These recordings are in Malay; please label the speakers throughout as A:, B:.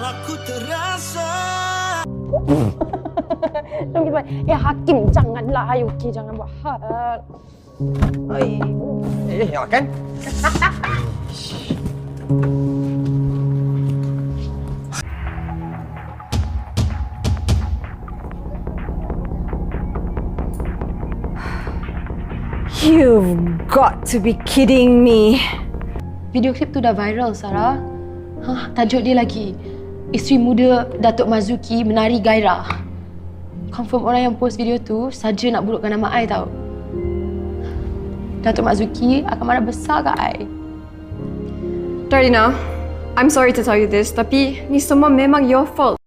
A: aku terasa.
B: Hakim, janganlah. Okey, jangan buat hal.
C: Makan.
D: You've got to be kidding me.
B: Video klip tu dah viral, Sarah. Tajuk dia lagi. Isteri muda Datuk Mazuki menari gairah. Confirm orang yang post video tu saja nak burukkan nama I tau. Datuk Mazuki akan marah besar kat I.
D: Darlina, I'm sorry to tell you this, tapi ni semua memang your fault.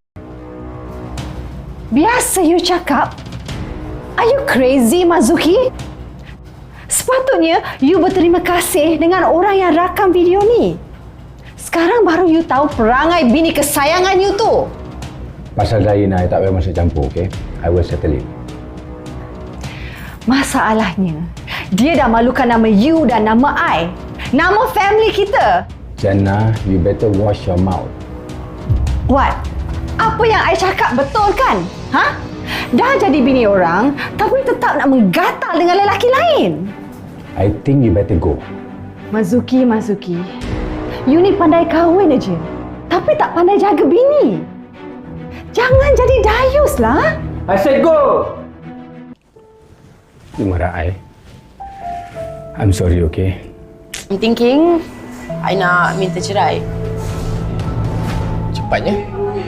D: Biasa you cakap. Are you crazy, Mazuki? Sepatutnya you berterima kasih dengan orang yang rakam video ni. Sekarang baru you tahu perangai bini kesayangan you tu.
E: Pasal Darlina, I tak payah masuk campur, okay? I will settle it.
D: Masalahnya, dia dah malukan nama you dan nama I. Nama family kita.
E: Jannah, you better wash your mouth.
D: What? Apa yang I cakap betul kan? Dah jadi bini orang, tapi tetap nak menggatal dengan lelaki lain.
E: I think you better go.
D: Mazuki, you ni pandai kahwin aja, tapi tak pandai jaga bini. Jangan jadi dayus lah.
C: I said go!
E: You marah I. I'm sorry, okay?
B: I'm thinking, I nak minta cerai.
C: Cepatnya?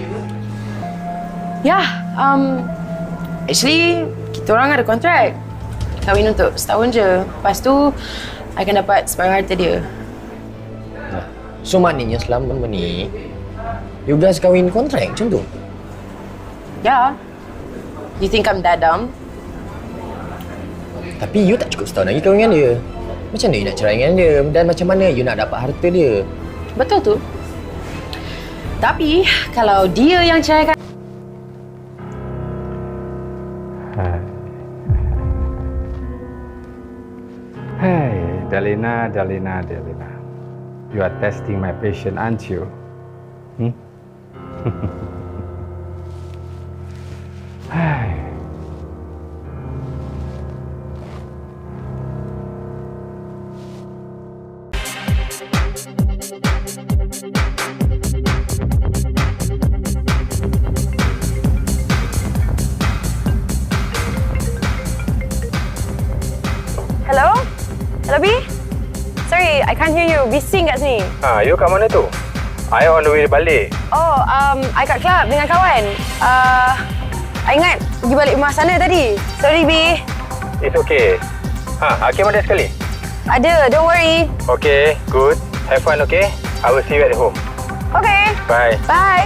B: Actually, kita orang ada kontrak. Kahwin untuk setahun je. Lepas tu, I akan dapat separuh harta dia.
C: So maknanya selama ni, you guys kahwin kontrak macam tu?
B: Yeah. You think I'm that dumb?
C: Tapi you tak cukup setahun lagi kahwin dengan dia. Macam mana you nak cerai dengan dia? Dan macam mana you nak dapat harta dia?
B: Betul tu. Tapi, kalau dia yang ceraikan...
E: Hey, Darlina. You are testing my patience, aren't you? Hey.
B: Hello, B? Sorry, I can't hear you. Bising kat sini.
E: You kat mana tu? I on the way balik.
B: Oh, I kat club dengan kawan. I ingat pergi balik rumah sana tadi. Sorry, B.
E: It's okay. Hakim ada sekali?
B: Ada, don't worry.
E: Okay, good. Have fun, okay? I will see you at home.
B: Okay.
E: Bye.
B: Bye.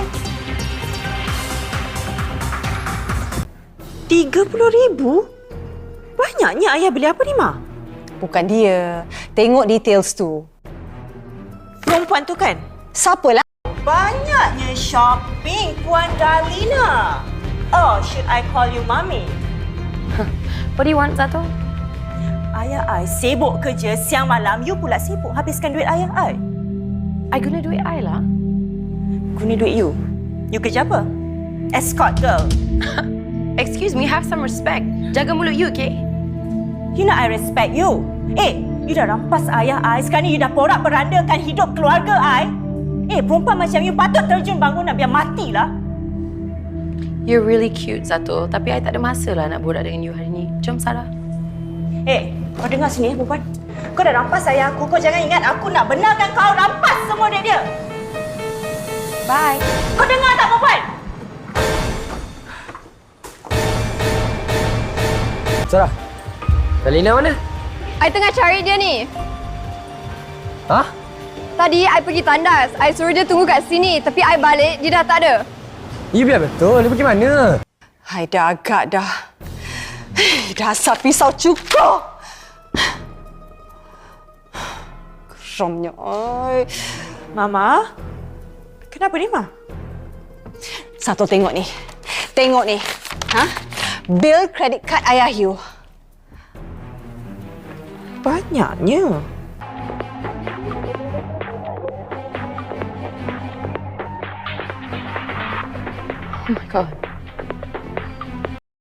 F: 30,000? Banyaknya ayah beli apa ni, Ma?
D: Bukan dia. Tengok details tu.
F: Perempuan tu kan?
D: Siapalah?
F: Banyaknya shopping, Puan Darlina. Oh, should I call you Mami?
B: What do you want, Zato?
F: Ayah I sibuk kerja siang malam, you pula sibuk habiskan duit ayah I.
B: I guna duit I lah.
F: Guna duit you? You kerja apa? Escort girl.
B: Excuse me, have some respect. Jaga mulut you, okay?
F: You nak I respect you? You dah rampas ayah I, sekarang ni you dah porak-perandakan hidup keluarga I. Perempuan macam you patut terjun bangunan biar matilah.
B: You're really cute, Zato. Tapi I tak ada masa lah nak borak dengan you hari ni. Jom, Sarah.
F: Kau dengar sini perempuan. Kau dah rampas ayah aku. Kau jangan ingat aku nak benarkan kau rampas semua duit dia.
B: Bye.
F: Kau dengar tak perempuan?
C: Sarah, Darlina mana?
D: I tengah cari dia ni. Tadi I pergi tandas. I suruh dia tunggu kat sini. Tapi I balik, dia dah tak ada.
C: You biar betul. Dia pergi mana?
D: I dah agak dah. Dasar pisau cukur. Geramnya.
F: Mama? Kenapa ni, Ma?
D: Satu tengok ni. Tengok ni. Bil kredit kad ayah you.
F: Banyaknya.
B: Oh my god.